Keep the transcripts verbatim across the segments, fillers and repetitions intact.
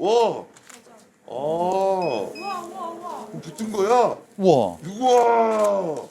와. 아. 우와 우와 우와. 붙은 거야? 우와. 우와.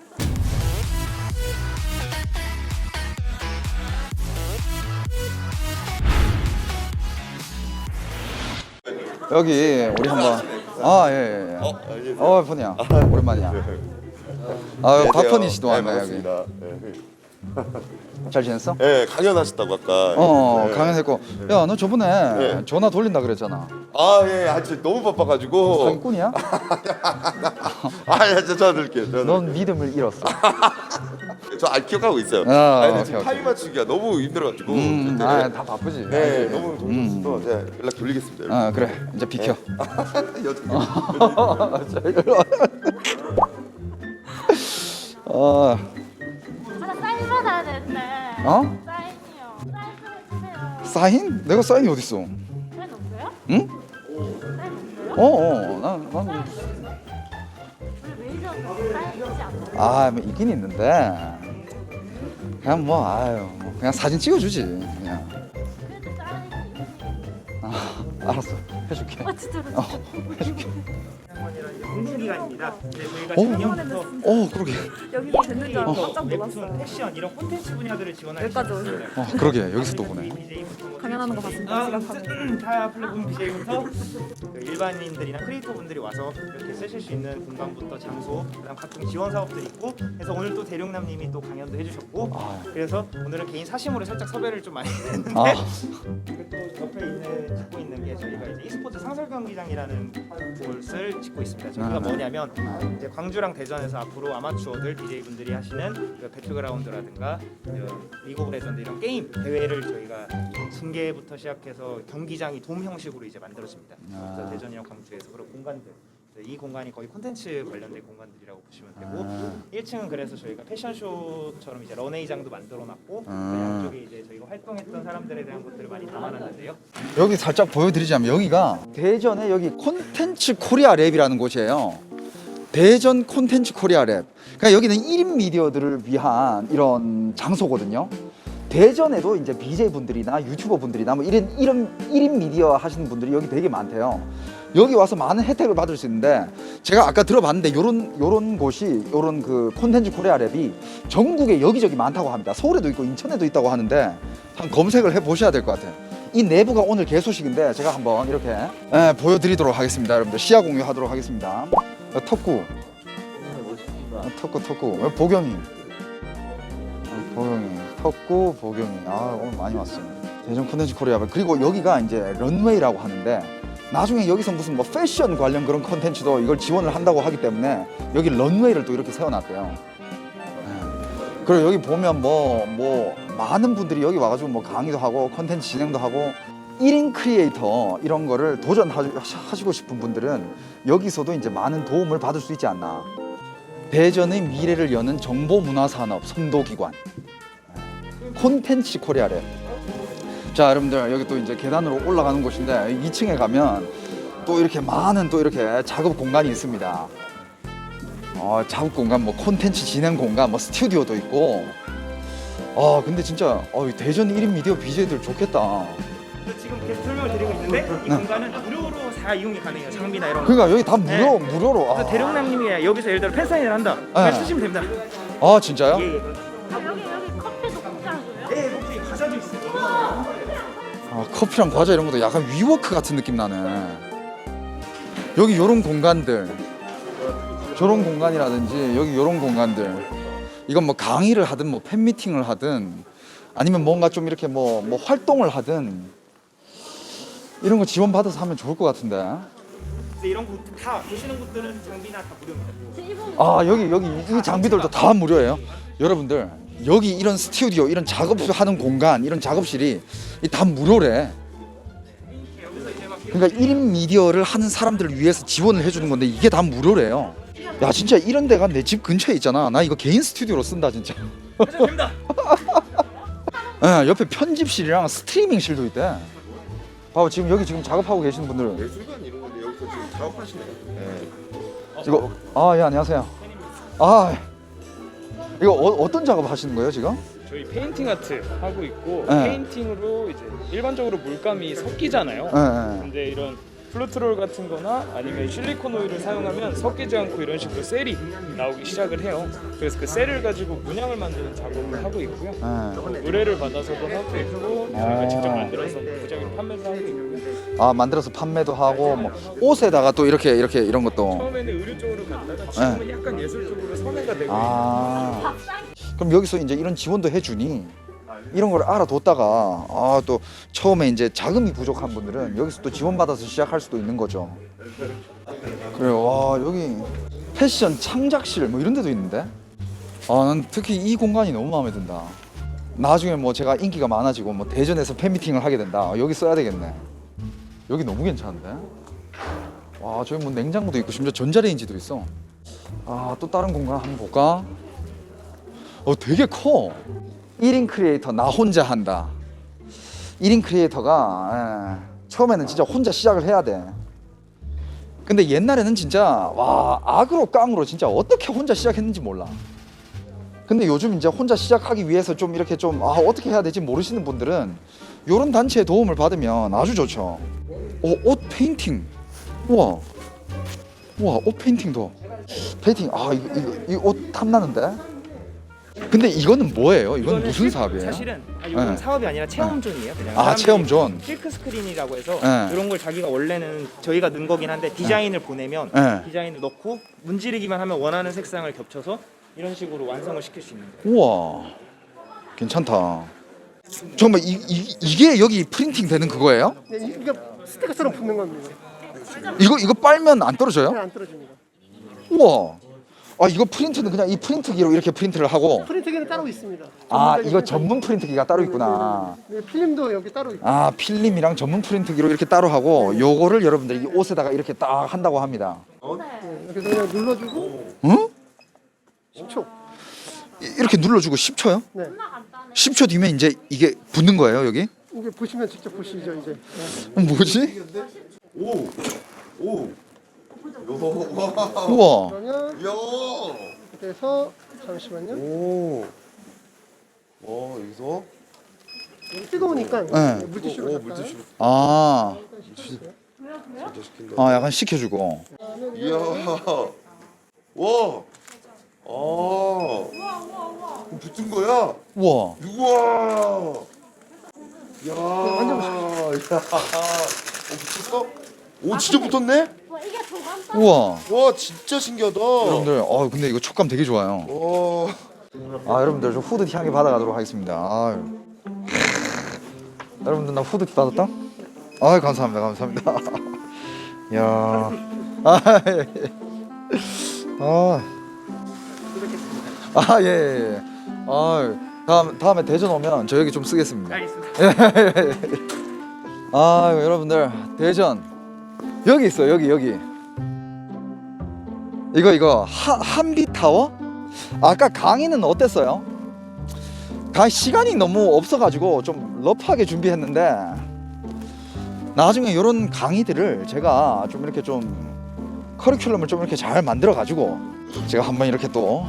여기 우리 한번 아 예예. 예, 예. 어, 알겠어요. 어 펀이야. 오랜만이야. 아 박펀이 씨도 왔네 여기. 반갑습니다. 네. 잘 지냈어? 네, 강연하셨다고 아까. 어 네. 강연했고. 야 너 저번에 네. 전화 돌린다 그랬잖아. 아, 예, 아직 너무 바빠가지고. 사기꾼이야? 아, 예, 저 전화 드릴게요. 전화 넌 믿음을 잃었어. 저 아, 기억하고 있어요. 아, 아, 근데 오케이, 지금 오케이. 타임 맞추기가 너무 힘들어가지고. 음, 그때 아, 다 바쁘지. 네, 아, 너무 정신없어서 제가 연락 돌리겠습니다. 여러분. 아 그래 이제 비켜. 여튼 어, 하나 사인 받아야 되는데. 어? 사인이요. 사인 좀 해주세요. 사인? 내가 사인이 어디 있어? 사인 없어요? 응? 사인 없어요? 어, 어, 난, 난, 우리 매니저가 사인 있지 않나요? 아, 뭐 있긴 있는데 그냥 뭐, 아유, 뭐 그냥 사진 찍어주지, 그냥. 그래도 사인이 있으니까. 아, 알았어, 해줄게. 아 진짜로 어, 진짜. 해줄게. 공공기관입니다. 네, 저희가 오. 작년부터 어, 그러게. 여기 듣는 줄 알고 깜짝 웹툰, 놀랐어요. 패션 이런 콘텐츠 분야들을 지원할 여기까지 있습니다. 어, 그러게. 여기서 또 보네. 강연하는 거 봤습니다. 지각하면. 다 플랫폼 비제이부터 그 일반인들이나 크리에이터 분들이 와서 이렇게 쓰실 수 있는 공간부터 장소, 그다음 각종 지원 사업들이 있고, 그래서 오늘 또 대룡남님이 또 강연도 해주셨고, 아. 그래서 오늘은 개인 사심으로 살짝 섭외를 좀 많이 했는데, 아, 그리고 또 옆에 있는 짓고 있는 게 저희가 이제 e스포츠 상설 경기장이라는 곳을 짓고 있습니다. 저희가 아. 뭐냐면 이제 광주랑 대전에서 앞으로 아마추어들 디제이분들이 하시는 그 배틀그라운드라든가 그 리그 오브 레전드 이런 게임 대회를 저희가 중계부터 시작해서 경기장이 돔 형식으로 이제 만들어집니다. 그래서 아. 대전이랑 광주에서 그런 공간들, 이 공간이 거의 콘텐츠 관련된 공간들이라고 보시면 되고, 아. 일 층은 그래서 저희가 패션쇼처럼 이제 런웨이장도 만들어놨고, 그 아. 양쪽에 이제 저희가 활동했던 사람들에 대한 것들을 많이 담아놨는데요. 여기 살짝 보여드리자면 여기가 대전에 여기 콘텐츠 코리아 랩이라는 곳이에요. 대전 콘텐츠 코리아 랩. 그러니까 여기는 일 인 미디어들을 위한 이런 장소거든요. 대전에도 이제 비제이 분들이나 유튜버 분들이나 뭐 이런 이런 일 인 미디어 하시는 분들이 여기 되게 많대요. 여기 와서 많은 혜택을 받을 수 있는데 제가 아까 들어봤는데 요런 요런 곳이 요런 그 콘텐츠 코리아 랩이 전국에 여기저기 많다고 합니다. 서울에도 있고 인천에도 있다고 하는데 한 검색을 해 보셔야 될 것 같아요. 이 내부가 오늘 개소식인데 제가 한번 이렇게 예, 보여드리도록 하겠습니다. 여러분들 시야 공유하도록 하겠습니다. 어, 턱구 어, 턱구 턱구 어, 보경이 어, 보경이 턱구 보경이 아 오늘 많이 왔어요. 대전 콘텐츠 코리아 그리고 여기가 이제 런웨이라고 하는데 나중에 여기서 무슨 뭐 패션 관련 그런 콘텐츠도 이걸 지원을 한다고 하기 때문에 여기 런웨이를 또 이렇게 세워놨대요. 예. 그리고 여기 보면 뭐 뭐 많은 분들이 여기 와가지고 뭐 강의도 하고 콘텐츠 진행도 하고 일 인 크리에이터 이런 거를 도전하시고 싶은 분들은 여기서도 이제 많은 도움을 받을 수 있지 않나. 대전의 미래를 여는 정보문화산업 선도기관 콘텐츠 코리아래. 자 여러분들 여기 또 이제 계단으로 올라가는 곳인데 이 층에 가면 또 이렇게 많은 또 이렇게 작업 공간이 있습니다. 어, 작업 공간 뭐 콘텐츠 진행 공간 뭐 스튜디오도 있고. 아 근데 진짜 어, 대전 일 인 미디어 비제이들 좋겠다. 지금 계속 설명을 드리고 있는데 이 네. 공간은 무료로 다 이용이 가능해요. 장비나 이런 거. 그러니까 여기 다 무료 네. 무료로. 그래서 아, 대룡남님이 여기서 예를 들어 팬사인을 한다. 그냥 네. 쓰시면 됩니다. 아 진짜요? 예, 예. 아 여기 여기 커피도 공짜로요? 예, 혹시 과자도 있어요. 아, 커피랑 과자 이런 것도 약간 위워크 같은 느낌 나네. 여기 요런 공간들, 저런 공간이라든지 여기 요런 공간들. 이건 뭐 강의를 하든 뭐 팬미팅을 하든 아니면 뭔가 좀 이렇게 뭐, 뭐 활동을 하든 이런 거 지원받아서 하면 좋을 것 같은데. 근데 이런 곳 다 보시는 곳들은 장비나 다 무료입니다. 아 여기 여기 이 장비들도 다 무료예요. 여러분들 여기 이런 스튜디오 이런 작업하는 공간 이런 작업실이 다 무료래. 그러니까 일 인 미디어를 하는 사람들을 위해서 지원을 해주는 건데 이게 다 무료래요. 야 진짜 이런 데가 내 집 근처에 있잖아. 나 이거 개인 스튜디오로 쓴다 진짜. 하셔도 됩니다. 예, 옆에 편집실이랑 스트리밍실도 있대. 봐봐 지금 여기 지금 작업하고 계시는 분들 예술관 이런 건데 여기서 지금 작업하시네요. 네. 이거 아 예 안녕하세요. 아 이거 어, 어떤 작업 하시는 거예요 지금? 저희 페인팅 아트 하고 있고 네. 페인팅으로 이제 일반적으로 물감이 섞이잖아요. 네, 네. 근데 이런 플루트롤 같은 거나 아니면 실리콘 오일을 사용하면 섞이지 않고 이런 식으로 셀이 나오기 시작을 해요. 그래서 그 셀을 가지고 문양을 만드는 작업을 하고 있고요. 네. 의뢰를 받아서도 하고 있고 저희가 직접 만들어서 무작위로 판매도 하고 있고요. 아 만들어서 판매도 하고 뭐 옷에다가 또 이렇게 이렇게 이런 것도. 처음에는 의류 쪽으로 갔다가 지금은 약간 예술 쪽으로 선회가 되고 아 그럼 여기서 이제 이런 지원도 해주니 이런 걸 알아뒀다가 아 또 처음에 이제 자금이 부족한 분들은 여기서 또 지원받아서 시작할 수도 있는 거죠. 그래요. 와 여기 패션 창작실 뭐 이런 데도 있는데 아 난 특히 이 공간이 너무 마음에 든다. 나중에 뭐 제가 인기가 많아지고 뭐 대전에서 팬미팅을 하게 된다. 여기 써야 되겠네. 여기 너무 괜찮은데? 와 저기 뭐 냉장고도 있고 심지어 전자레인지도 있어. 아 또 다른 공간 한번 볼까? 어 되게 커. 일 인 크리에이터 나 혼자 한다. 일 인 크리에이터가 예, 처음에는 진짜 혼자 시작을 해야 돼. 근데 옛날에는 진짜 와 악으로 깡으로 진짜 어떻게 혼자 시작했는지 몰라. 근데 요즘 이제 혼자 시작하기 위해서 좀 이렇게 좀 아, 어떻게 해야 될지 모르시는 분들은 이런 단체의 도움을 받으면 아주 좋죠. 어, 옷 페인팅. 우와. 우와, 옷 페인팅도. 페인팅. 아, 이거 이거 이 옷 탐나는데. 근데 이거는 뭐예요? 이건 이거는 무슨 실- 사업이에요? 사실은 아, 이건 네. 사업이 아니라 체험존이에요. 그냥 아, 사람들이 체험존. 실크 스크린이라고 해서 네. 이런 걸 자기가 원래는 저희가 넣은 거긴 한데 디자인을 보내면 네. 디자인을 넣고 문지르기만 하면 원하는 색상을 겹쳐서 이런 식으로 완성을 시킬 수 있는 거예요. 우와. 괜찮다. 정말 이, 이 이게 여기 프린팅 되는 그거예요? 네, 이게 스티커처럼 붙는 겁니다. 이거 이거 빨면 안 떨어져요? 네, 안 떨어집니다. 우와. 아 이거 프린트는 그냥 이 프린트기로 이렇게 프린트를 하고. 프린트기는 따로 있습니다. 아 전문적인 이거 프린터기. 전문 프린트기가 따로 있구나. 네, 필름도 여기 따로 있고. 아 필름이랑 전문 프린트기로 이렇게 따로 하고 요거를 여러분들이 이 옷에다가 이렇게 딱 한다고 합니다. 네, 그래서 그냥 눌러주고 응? 십 초. 이- 이렇게 눌러주고 십 초요? 네, 십 초 뒤면 이제 이게 붙는 거예요 여기? 이게 보시면 직접 보시죠 이제. 네. 어, 뭐지? 오. 오. 요. 와. 우와. 그러면 야. 그래서 잠시만요. 오. 와, 여기서 여기 뜨거우니까 네. 물티슈로 오, 잠깐. 물티슈 아, 진짜 시킨다. 아 약간 식혀주고. 이야. 와. 아. 붙은 거야? 우와. 우와. 야. 만져보십시오. 야. 어, 붙었어? 오, 진짜 붙었네? 와 이게 더 간단. 우와. 와, 진짜 신기하다. 여러분들, 아 근데 이거 촉감 되게 좋아요. 와. 아 여러분들 저 후드티 향기 받아가도록 하겠습니다. 아유. 여러분들 나 후드티 받았다? 아 감사합니다, 감사합니다. 야. 아, 예, 예. 아. 아 예. 예, 예. 아 다음 다음에 대전 오면 저 여기 좀 쓰겠습니다. 알겠습니다. 아 여러분들 대전 여기 있어 여기 여기 이거 이거 하, 한비타워? 아까 강의는 어땠어요? 가 시간이 너무 없어가지고 좀 러프하게 준비했는데 나중에 이런 강의들을 제가 좀 이렇게 좀 커리큘럼을 좀 이렇게 잘 만들어 가지고 제가 한번 이렇게 또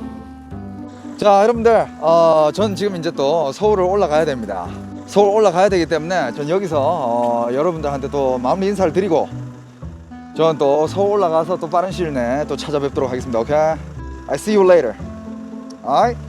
자 여러분들 어, 전 지금 이제 또 서울을 올라가야 됩니다. 서울 올라가야 되기 때문에 전 여기서 어, 여러분들한테 또 마무리 인사를 드리고 전 또 서울 올라가서 또 빠른 시일 내에 또 찾아뵙도록 하겠습니다. 오케이? I see you later. Alright?